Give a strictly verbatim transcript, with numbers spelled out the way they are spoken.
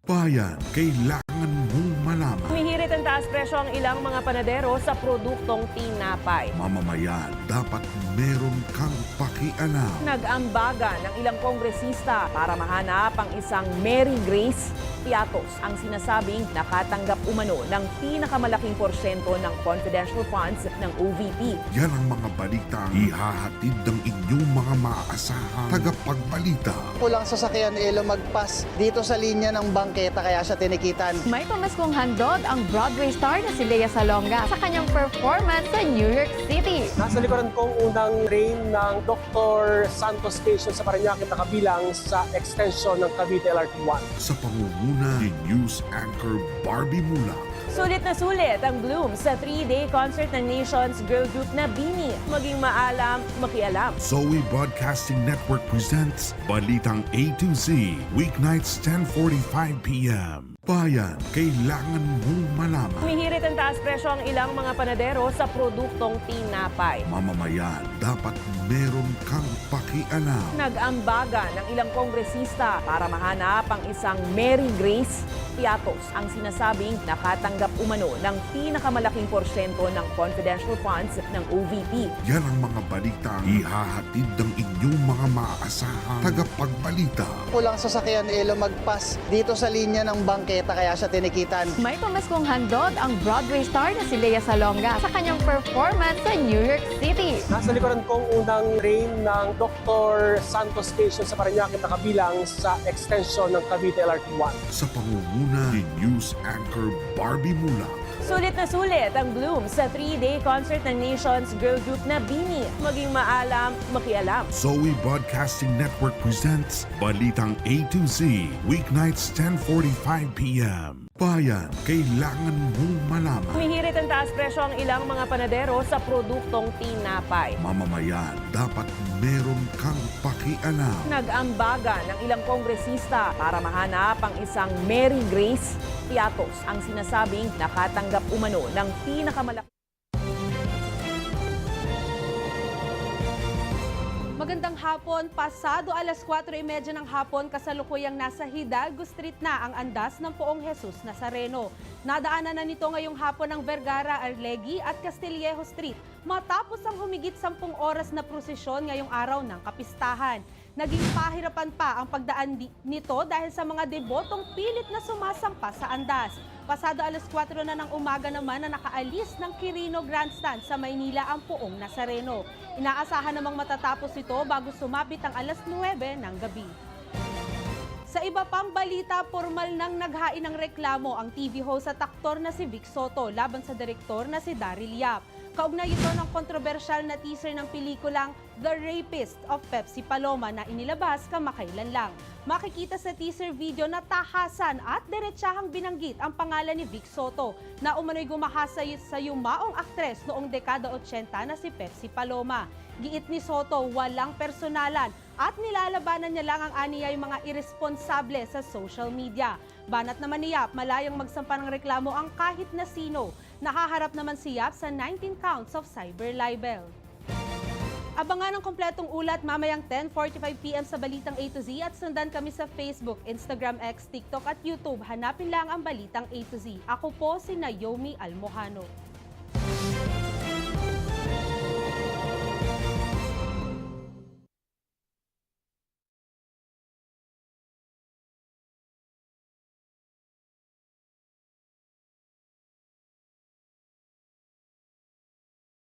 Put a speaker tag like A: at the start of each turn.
A: Bayan, kailangan mong malaman.
B: Humihirit ang taas presyo ang ilang mga panadero sa produktong tinapay.
A: Mamamayan, dapat meron kang pakialam.
B: Nag-ambaga ng ilang kongresista para mahanap ang isang Mary Grace Piatos ang sinasabing nakatanggap umano ng pinakamalaking porsyento ng confidential funds ng O V P.
A: Yan ang mga balitang ihahatid ng inyong mga maaasahang tagapagbalita.
C: Kulang sasakyan ni Elo magpas dito sa linya ng bangketa kaya siya tinikitan.
D: May pamaskong handog ang Broadway star na si Lea Salonga sa kanyang performance sa New York City.
E: Nasa likuran kong unang train ng Doctor Santos Station sa Parañaque na kabilang sa extension ng Cavite L R T one.
A: Sa pangunguna ni News Anchor Barbie Mula.
B: Sulit na sulit ang Bloom sa three-day concert ng Nation's girl group na Bini. Maging maalam, makialam.
A: Zoe Broadcasting Network presents Balitang A to Z, weeknights ten forty-five p m Bayan, kailangan mong malaman.
B: Humihirit ang taas presyo ang ilang mga panadero sa produktong tinapay.
A: Mamamayan, dapat meron kang pakialam.
B: Nag-ambaga ng ilang kongresista para mahanap ang isang Mary Grace Piatos ang sinasabing nakatanggap umano ng pinakamalaking porsyento ng confidential funds ng O V P.
A: Yan ang mga balitang ihahatid ng inyong mga maaasahang tagapagbalita.
C: Kulang sasakyan ni Elo magpas dito sa linya ng bangketa kaya siya tinikitan.
D: May pamaskong handog ang Broadway star na si Lea Salonga sa kanyang performance sa New York City.
E: Nasa likuran kong unang train ng Doctor Santos Station sa Parañaque na kabilang sa extension ng Cavite L R T one.
A: Sa pangunguna ni News Anchor Barbie Mula.
B: Sulit na sulit ang Bloom sa three-day concert ng Nation's girl group na Bini. Maging maalam, makialam.
A: Zoe Broadcasting Network presents Balitang A to Z, weeknights ten forty-five p m Bayan, kailangan mong malaman.
B: Humihirit ang taas presyo ang ilang mga panadero sa produktong tinapay.
A: Mamamayan, dapat meron kang pakialam.
B: Nag-ambaga ng ilang kongresista para mahanap ang isang Mary Grace Piatos ang sinasabing nakatanggap umano ng pinakamalaki.
F: Magandang hapon, pasado alas kwatro y media ng hapon, kasalukuyang nasa Hidalgo Street na ang andas ng Poong Jesus Nazareno. Nadaanan na nito ngayong hapon ng Vergara, Arlegui at Castillejo Street matapos ang humigit sampung oras na prosesyon ngayong araw ng kapistahan. Naging pahirapan pa ang pagdaan nito dahil sa mga debotong pilit na sumasampa sa andas. Pasado alas kwatro na ng umaga naman na nakaalis ng Quirino Grandstand sa Maynila ang Poong Nazareno. Inaasahan namang matatapos ito bago sumapit ang alas nuwebe ng gabi. Sa iba pang balita, formal nang naghain ng reklamo ang T V host at aktor na si Vic Soto laban sa direktor na si Daryl Yap. Kaugnay ito ng kontrobersyal na teaser ng pelikulang The Rapist of Pepsi Paloma na inilabas kamakailan lang. Makikita sa teaser video na tahasan at diretsahang binanggit ang pangalan ni Vic Soto na umano'y gumahasa sa yumaong aktres noong dekada otsenta na si Pepsi Paloma. Giit ni Soto, walang personalan at nilalabanan niya lang ang aniyay mga irresponsable sa social media. Banat naman ni Yap, malayang magsampa ng reklamo ang kahit na sino. Nakaharap naman si Yap sa nineteen counts of cyber libel. Abangan ang kompletong ulat mamayang ten forty-five p m sa Balitang A to Z at sundan kami sa Facebook, Instagram, X, TikTok at YouTube. Hanapin lang ang Balitang A to Z. Ako po si Naomi Almojano.